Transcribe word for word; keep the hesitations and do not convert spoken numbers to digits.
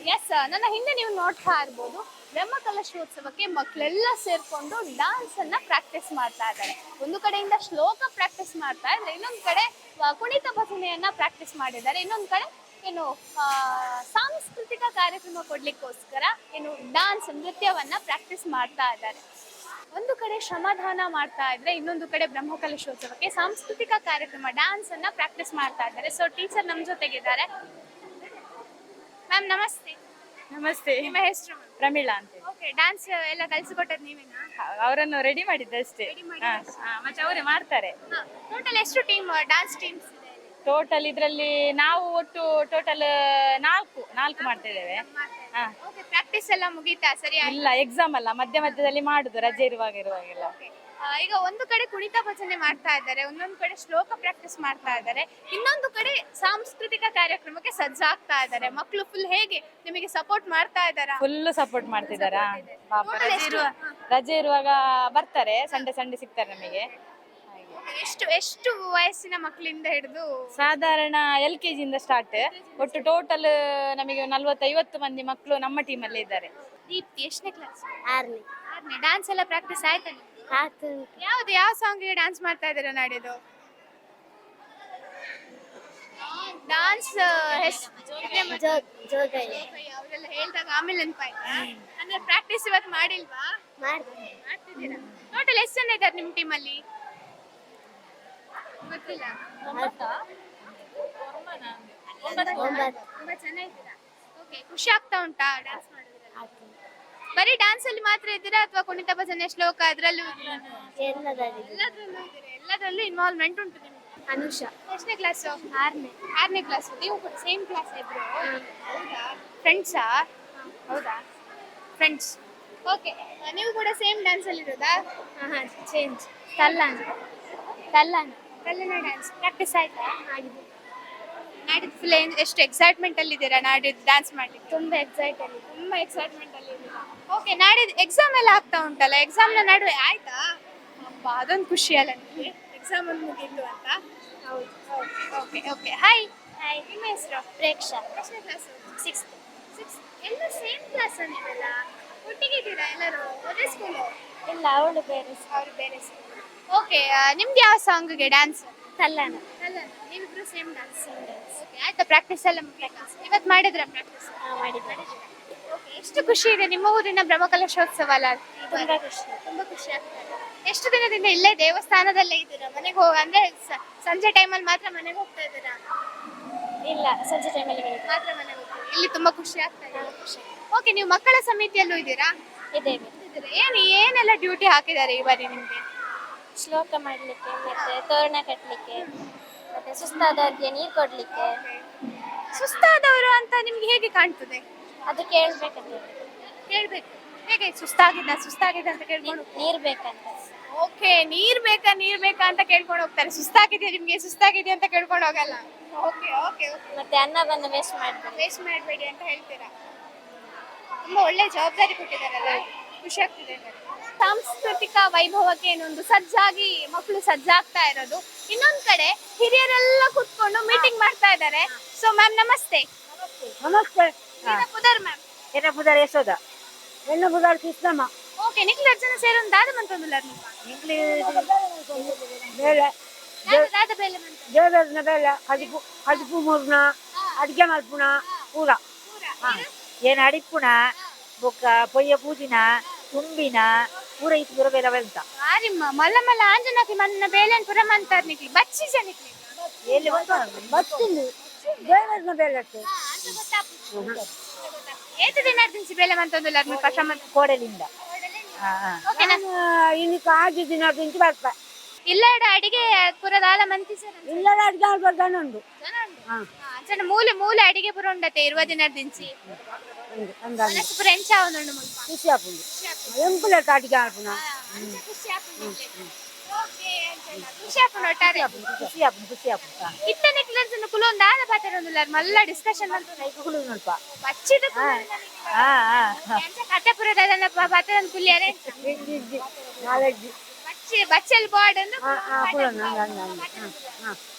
S, ನನ್ನ ಹಿಂದೆ ನೀವು ನೋಡ್ತಾ ಇರ್ಬೋದು, ಬ್ರಹ್ಮಕಲಶೋತ್ಸವಕ್ಕೆ ಮಕ್ಕಳೆಲ್ಲ ಸೇರ್ಕೊಂಡು ಡಾನ್ಸ್ ಅನ್ನ ಪ್ರಾಕ್ಟೀಸ್ ಮಾಡ್ತಾ ಇದ್ದಾರೆ. ಒಂದು ಕಡೆಯಿಂದ ಶ್ಲೋಕ ಪ್ರಾಕ್ಟೀಸ್ ಮಾಡ್ತಾ ಇದ್ರೆ, ಇನ್ನೊಂದು ಕಡೆ ಆ, ಕುಣಿತ ಭಜನೆಯನ್ನ ಪ್ರಾಕ್ಟೀಸ್ ಮಾಡಿದ್ದಾರೆ. ಇನ್ನೊಂದು ಕಡೆ ಏನು ಆ, ಸಾಂಸ್ಕೃತಿಕ ಕಾರ್ಯಕ್ರಮ ಕೊಡ್ಲಿಕ್ಕೋಸ್ಕರ ಏನು ಡಾನ್ಸ್ ನೃತ್ಯವನ್ನ ಪ್ರಾಕ್ಟೀಸ್ ಮಾಡ್ತಾ ಇದ್ದಾರೆ. ಒಂದು ಕಡೆ ಶ್ರಮದಾನ ಮಾಡ್ತಾ ಇದ್ರೆ, ಇನ್ನೊಂದು ಕಡೆ ಬ್ರಹ್ಮಕಲಶೋತ್ಸವಕ್ಕೆ ಸಾಂಸ್ಕೃತಿಕ ಕಾರ್ಯಕ್ರಮ ಡಾನ್ಸ್ ಅನ್ನ ಪ್ರಾಕ್ಟೀಸ್ ಮಾಡ್ತಾ ಇದ್ದಾರೆ. ಸೊ ಟೀಚರ್ ನಮ್ ಜೊತೆಗಿದ್ದಾರೆ. ಮ್ಯಾಮ್ ನಮಸ್ತೆ. ನಮಸ್ತೆ. ನಿಮ್ಮ ಹೆಸರು? ಪ್ರಮೀಳಾ ಅಂತ. ಓಕೆ, ಡಾನ್ಸ್ ಎಲ್ಲ ಕಲಿಸಿಕೊಟ್ಟದ್ ನೀವೇನಾ? ಅವರನ್ನು ರೆಡಿ ಮಾಡಿದ್ದಷ್ಟೇ. Ready ಮಾಡಿದ್ದಷ್ಟೇ. ಹಾ, ಹಾ, ಮತ್ತೆ ಅವರೇ ಮಾಡ್ತಾರೆ. ಟೋಟಲ್ ಎಷ್ಟು ಟೀಮ್ ಡಾನ್ಸ್ ಟೀಮ್ಸ್ ಇದೆ ಇಲ್ಲಿ? ಟೋಟಲ್ ಇದ್ರಲ್ಲಿ ನಾವು ಒಟ್ಟು ಟೋಟಲ್ ನಾಲ್ಕು ನಾಲ್ಕು ಮಾಡ್ತಾ ಇದ್ದೇವೆ. ಹಾ. ಓಕೆ, ಪ್ರಾಕ್ಟೀಸ್ ಎಲ್ಲ ಮುಗೀತಾ ಸರಿ? ಇಲ್ಲ, ಎಕ್ಸಾಮ್ ಅಲ್ಲ, ಮಧ್ಯ ಮಧ್ಯದಲ್ಲಿ ಮಾಡುದು, ರಜೆ ಇರುವಾಗ ಇರುವಾಗೆಲ್ಲ. ಈಗ ಒಂದು ಕಡೆ ಕುಣಿತ ಭಜನೆ ಮಾಡ್ತಾ ಇದ್ದಾರೆ, ಒಂದೊಂದು ಕಡೆ ಶ್ಲೋಕ ಪ್ರಾಕ್ಟೀಸ್ ಮಾಡ್ತಾ ಇದ್ದಾರೆ, ಇನ್ನೊಂದು ಕಡೆ ಸಾಂಸ್ಕೃತಿಕ ಕಾರ್ಯಕ್ರಮಕ್ಕೆ ಸಜ್ಜಾಗ್ತಾ ಇದ್ದಾರೆ. ಮಕ್ಕಳು ಫುಲ್ ಹೇಗೆ ನಿಮಗೆ ಸಪೋರ್ಟ್ ಮಾಡ್ತಾ ಇದ್ದಾರಾ? ಫುಲ್ ಸಪೋರ್ಟ್ ಮಾಡ್ತಿದ್ದಾರಾ? ಪಾಪ, Total ರಜೆ ಎಷ್ಟು? ಇರುವ ರಜೆ ಇರುವಾಗ ಬರ್ತಾರೆ, ಸಂಡೆ ಸಂಡೆ ಸಿಗ್ತಾರೆ ನಮಗೆ. ಎಷ್ಟು ಎಷ್ಟು ವಯಸ್ಸಿನ ಮಕ್ಕಳಿಂದ ಹಿಡಿದು? ಸಾಧಾರಣ ಎಲ್ ಕೆ ಜಿಯಿಂದ ಸ್ಟಾರ್ಟ್. ಒಟ್ಟು ಟೋಟಲ್ ನಮಗೆ ನಲ್ವತ್ತು ಐವತ್ತು ಮಂದಿ ಮಕ್ಕಳು ನಮ್ಮ ಟೀಮಲ್ಲಿ ಇದ್ದಾರೆ. ದೀಪ್ತಿ ಎಷ್ಟನೇ ಕ್ಲಾಸ್? ಆರ್ನೇ ಆರನೇ. ಡಾನ್ಸ್ ಎಲ್ಲ ಪ್ರಾಕ್ಟೀಸ್ ಆಯ್ತಾ ನಿಮ್ಗೆ? ಆತು ಯಾವ್ದು ಯಾವ ಸಾಂಗ್ಗೆ ಡಾನ್ಸ್ ಮಾಡ್ತಾ ಇದ್ದೀರಾ ನಾಡಿದ್ದು? ಡಾನ್ಸ್ ಜೋ ಜೋಗೈ ಅವರೆಲ್ಲ ಹೇಳ್ದಾಗ ಆಮೇಲೆ ನೆನಪಾಯ್ತಾ? ಅಂದ್ರೆ ಪ್ರಾಕ್ಟೀಸ್ ಇವತ್ತು ಮಾಡಿಲ್ವಾ? ಮಾಡ್ತೀನಿ ಮಾಡ್ತಿದ್ದೀರಾ? ಟೋಟಲ್ ಎಷ್ಟು ಜನ ಇದ್ದಾರೆ ನಿಮ್ಮ ಟೀಮಲ್ಲಿ? ಗೊತ್ತಿಲ್ಲ. ಒಂಬತ್ತು ತುಂಬಾ ಜನ ಇದ್ದೀರಾ? ಓಕೆ, ಖುಷಿ ಆಗ್ತಾ ಉಂಟಾ ಡಾನ್ಸ್ ಮಾಡೋದ್ರಲ್ಲಿ? ಆತು ಬರೀ ಡಾನ್ಸ್ ಅಲ್ಲಿ ಮಾತ್ರ ಇದ್ದೀರಾ ಅಥವಾ ಕುಣಿತ ಭಜನೆ ಶ್ಲೋಕ ಅದ್ರಲ್ಲೂ ಇದ್ದೀರಾ? ಎಲ್ಲದಲ್ಲಿ ಎಲ್ಲದ್ರಲ್ಲೂ ಇದ್ದೀರಾ? ಎಲ್ಲದ್ರಲ್ಲೂ ಇನ್ವಾಲ್ವ್ಮೆಂಟ್ ಉಂಟು ನಿಮ್ಗೆ. ಅನುಷಾ ಎಷ್ಟನೇ ಕ್ಲಾಸು? ಆರನೇ ಆರನೇ ಕ್ಲಾಸ್. ನೀವು ಕೂಡ ಸೇಮ್ ಕ್ಲಾಸ್ ಇದ್ರು? ಹೌದಾ? ಫ್ರೆಂಡ್ಸಾ? ಹೌದಾ, ಫ್ರೆಂಡ್ಸ್. ಓಕೆ, ನೀವು ಕೂಡ ಸೇಮ್ ಡ್ಯಾನ್ಸ್ ಅಲ್ಲಿ ಇರೋದಾ? ಹಾಂ ಚೇಂಜ್ ಕಲ್ಲಾಣ ಕಲ್ಲಾಣ ಕಲ್ಲನ ಡ್ಯಾನ್ಸ್ ಪ್ರಾಕ್ಟೀಸ್ ಆಯ್ತಾ? ಆಗಿದೆ ನಾಡಿದ್ದು ಫುಲ್ ಎಷ್ಟು ಎಕ್ಸೈಟ್ಮೆಂಟ್ ಅಲ್ಲಿ ಇದ್ದೀರಾ ನಾಡಿದ್ದು ಡ್ಯಾನ್ಸ್ ಮಾಡ್ಲಿಕ್ಕೆ? ತುಂಬ ಎಕ್ಸೈಟ್ ಆಗಿದೆ. ತುಂಬಾ ಎಕ್ಸೈಟ್ಮೆಂಟ್ ಅಲ್ಲಿ ಇದ್ದೀರಾ? ಓಕೆ, ನಾಡಿದ್ದು ಎಕ್ಸಾಮ್ ಎಲ್ಲ ಆಗ್ತಾ ಉಂಟಲ್ಲ, ಎಕ್ಸಾಮ್ ನ ನಡುವೆ ಆಯ್ತಾ? ಅಬ್ಬಾ, ಅದೊಂದು ಖುಷಿ ಅಲ್ಲ ನಿಮಗೆ, ಎಕ್ಸಾಮ್ ಒಂದು ಮುಗೀತು ಅಂತ? ಹೌದು ಓಕೆ ಓಕೆ. ಹಾಯ್. ಹಾಯ್, ನಿಮ್ಮ ಹೆಸರು? ಪ್ರೇಕ್ಷಾ ಎಷ್ಟನೇ ಕ್ಲಾಸ್? Sixth six. ಎಲ್ಲ ಸೇಮ್ ಕ್ಲಾಸ್ ನೀವೆಲ್ಲ ಒಟ್ಟಿಗೆ ಇದ್ದೀರಾ ಎಲ್ಲರೂ? ಒಂದೇ ಸ್ಕೂಲು? ಇಲ್ಲ, ಅವಳು ಬೇರೆ ಅವ್ರು ಬೇರೆ ಸ್ಕೂಲ್. ಓಕೆ, ನಿಮ್ದು ಯಾವ ಸಾಂಗ್ಗೆ ಡ್ಯಾನ್ಸ್? ಕಲ್ಲಾಣ ಅಲ್ಲ, ನೀವಿಬ್ರು ಸೇಮ್ ಡ್ಯಾನ್ಸ್. ಓಕೆ, ಆಯ್ತಾ? ಪ್ರಾಕ್ಟೀಸ್ ಎಲ್ಲ ಮುಗಿತಾ? ಇವತ್ತು ಮಾಡಿದ್ರ ಪ್ರಾಕ್ಟೀಸ್? ಹಾಂ ಮಾಡಿದ್ದಾರೆ. ಓಕೆ, ಎಷ್ಟು ಖುಷಿ ಇದೆ ನಿಮ್ಮ ಊರಿನ ಬ್ರಹ್ಮಕಲಶೋತ್ಸವ ಅಲ್ಲ? ತುಂಬ ಖುಷಿ. ತುಂಬಾ ಖುಷಿ ಆಗ್ತದೆ. ಎಷ್ಟು ದಿನದಿಂದ ಇಲ್ಲೇ ದೇವಸ್ಥಾನದಲ್ಲೇ ಇದ್ದೀರಾ? ಮನೆಗೆ ಹೋಗ ಅಂದ್ರೆ ಸ- ಸಂಜೆ ಟೈಮಲ್ಲಿ ಮಾತ್ರ ಮನೆಗೆ ಹೋಗ್ತಾ ಇದ್ದೀರಾ? ಇಲ್ಲ, ಸಂಜೆ ಟೈಮಲ್ಲಿ ಮನೆಗೆ ಮಾತ್ರ ಮನೆಗೆ ಹೋಗ್ತೀರಾ? ಇಲ್ಲಿ ತುಂಬಾ ಖುಷಿ ಆಗ್ತಾ ಇದೆ. ಖುಷಿ ಓಕೆ, ನೀವು ಮಕ್ಕಳ ಸಮಿತಿಯಲ್ಲೂ ಇದ್ದೀರಾ? ಇದ್ದೇವೆ. ಇದ್ದೀರಾ? ಏನು ಏನೆಲ್ಲ ಡ್ಯೂಟಿ ಹಾಕಿದ್ದಾರೆ ಈ ಬಾರಿ ನಿಮ್ಗೆ? ಶ್ಲೋಕ ಮಾಡಲಿಕ್ಕೆ, ಮತ್ತೆ ತೋರಣ ಕಟ್ಟಲಿಕ್ಕೆ, ಮತ್ತೆ ಸುಸ್ತಾದವ್ರಿಗೆ ನೀರು ಕೊಡಲಿಕ್ಕೆ. ಸುಸ್ತಾದವರು ಅಂತ ನಿಮ್ಗೆ ಹೇಗೆ ಕಾಣ್ತದೆ? ಅದು ಕೇಳ್ಬೇಕಂತ. ಹೇಳ್ಬೇಕು. ಹೇಗೆ ಸುಸ್ತಾಗಿದ್ದ ಸುಸ್ತಾಗಿದೆ ಅಂತ ಕೇಳ್ಕೊಂಡು? ನೀರು ಬೇಕಂತ. ಓಕೆ, ನೀರ್ ಬೇಕಾ ನೀರ್ ಬೇಕಾ ಅಂತ ಕೇಳ್ಕೊಂಡು ಹೋಗ್ತಾರೆ. ಸುಸ್ತಾಗಿದೆಯಾ ನಿಮ್ಗೆ, ಸುಸ್ತಾಗಿದೆಯಾ ಅಂತ ಕೇಳ್ಕೊಂಡು ಹೋಗಲ್ಲ. Okay okay okay. ಮತ್ತೆ ಅನ್ನವನ್ನು ವೇಸ್ಟ್ ಮಾಡ್ಬೇಕು. ವೇಸ್ಟ್ ಮಾಡಬೇಡಿ ಅಂತ ಹೇಳ್ತೀರಾ? ತುಂಬಾ ಒಳ್ಳೆ ಜವಾಬ್ದಾರಿ ಕೊಟ್ಟಿದ್ದಾರಲ್ಲ, ಖುಷಿ ಆಗ್ತಿದೆ ನನಗೆ. ಸಾಂಸ್ಕೃತಿಕ ವೈಭವಕ್ಕೆ ಏನೊಂದು ಸಜ್ಜಾಗಿ ಮಕ್ಕಳು ಸಜ್ಜಾಗ್ತಾ ಇರೋದು, ಇನ್ನೊಂದ್ ಕಡೆ ಹಿರಿಯರೆಲ್ಲ ಕುತ್ಕೊಂಡು ಮೀಟಿಂಗ್ ಮಾಡ್ತಾ ಇದ್ದಾರೆ. ಸೊ ಮ್ಯಾಮ್ ನಮಸ್ತೆ. ನಮಸ್ತೆ. ಪುದರ್ ಮ್ಯಾಮ್. ಎನ್ನ ಬುಧಾರ ಯಶೋದ, ಎನ್ನ ಬುಧಾರ ಕೃಷ್ಣಮ್ಮ. ಓಕೆ, ನಿಕ್ಲು ಅರ್ಜನ ಸೇರೊಂದು ದಾದ ಮಂತೊಂದುಲ್ಲಾರ ನೀವು? ಇಂಗ್ಲಿ ಬೇಳೆ ದಾದ ಬೇಲೆ ಮಂತ ದೇವರನ ಬೇಳೆ ಕಡಿಪು ಕಡಿಪು ಮೂರ್ನ ಅಡಿಗೆ ಮಲ್ಪುಣ ಪೂರ ಏನು ಅಡಿಪುಣ ಬೊಕ್ಕ ಪೊಯ್ಯ ಪೂಜಿನ ತುಂಬಿನ ಪೂರ ಇತ್ತು ಪೂರ ಬೇರೆ ಬೆಂತ ಆರಿಮ್ಮ ಮಲ್ಲ ಮಲ್ಲ ಆಂಜನಾಕಿ ಮನ್ನ ಬೇಲೆನ್ ಪುರ ಮಂತಾರ್ ನಿಕ್ಲಿ ಬಚ್ಚಿ ಜನಿಕ್ಲಿ ಎಲ್ಲಿ ಬಚ್ಚಿಂದು ದೇವರನ ಬೇಳೆ ಅಷ್ಟೇ. ಏತು ದಿನ ದಿಂಚಿ ಬೇಲೆ ಮಂತೊಂದುಲ್ಲಾರ ನೀವು ಪಶ ಮಂತ ಕೋಡಲಿಂದ ಓಕೆ. ನಾನು ಇನ್ನು ಕಾಜು ದಿನ ತಿಂತು ಬರ್ಪ ಇಲ್ಲ ಅಡಿಗೆ ಪುರ ದಾದ ಮಂತಿ ಸರ್ ಇಲ್ಲದ ಅಡಿಗೆ ಆಗ್ಬಾರ್ದು ಉಂಡು. ಅಂಚನ ಮೂಲೆ ಮೂಲೆ ಅಡಿಗೆ ಪುರ ಉಂಡತೆ ಇರುವ ದಿನ ದಿಂಚಿ ಅಂದಾಜು ಮನಸ್ಸು ಪುರ ಎಂಚ ಅವನುಂಡು ಮುಲ್ಪ ಖುಷಿ ಆಪುಂಡು ಎಂಪುಲ ಅಡಿಗೆ ಆಡ್ಪುಣ ಖುಷಿ ಆಪುಂಡು. ಓಕೆ, ಅಂಚನ ಖುಷಿ ಆಪುಂಡು ಒಟ್ಟಾರೆ. ಖುಷಿ ಆಪುಂಡು ಖುಷಿ ಆಪುಂಡು ಇತ್ತನೆ ಕ್ಲರ್ಜನ ಕುಲೊಂದು ದಾದ ಪಾತೆರೊಂದುಲ್ಲಾರ ಮಲ್ಲ ಡಿಸ್ಕಷನ್ ಮಂತ ಕೈಗಳು ಸ್ವಲ್ಪ ಬಚ್ಚಿದ ಹಾ ಹಾ ಎಂಚ ಕತೆ ಪುರ ದಾದನ ಪಾತೆರೊಂದು ಕುಲಿಯಾರೆ ನಾಲೆಡ್ಜ್ ಬಚ್ಚಿ ಬಚ್ಚಲ್ ಬಾರ್ಡ್ ಅಂದು ಹಾ ಹಾ ಪುರ ನಂಗೆ ಹಂಗೆ ಹಂಗೆ ಹಾಂ ಹಾಂ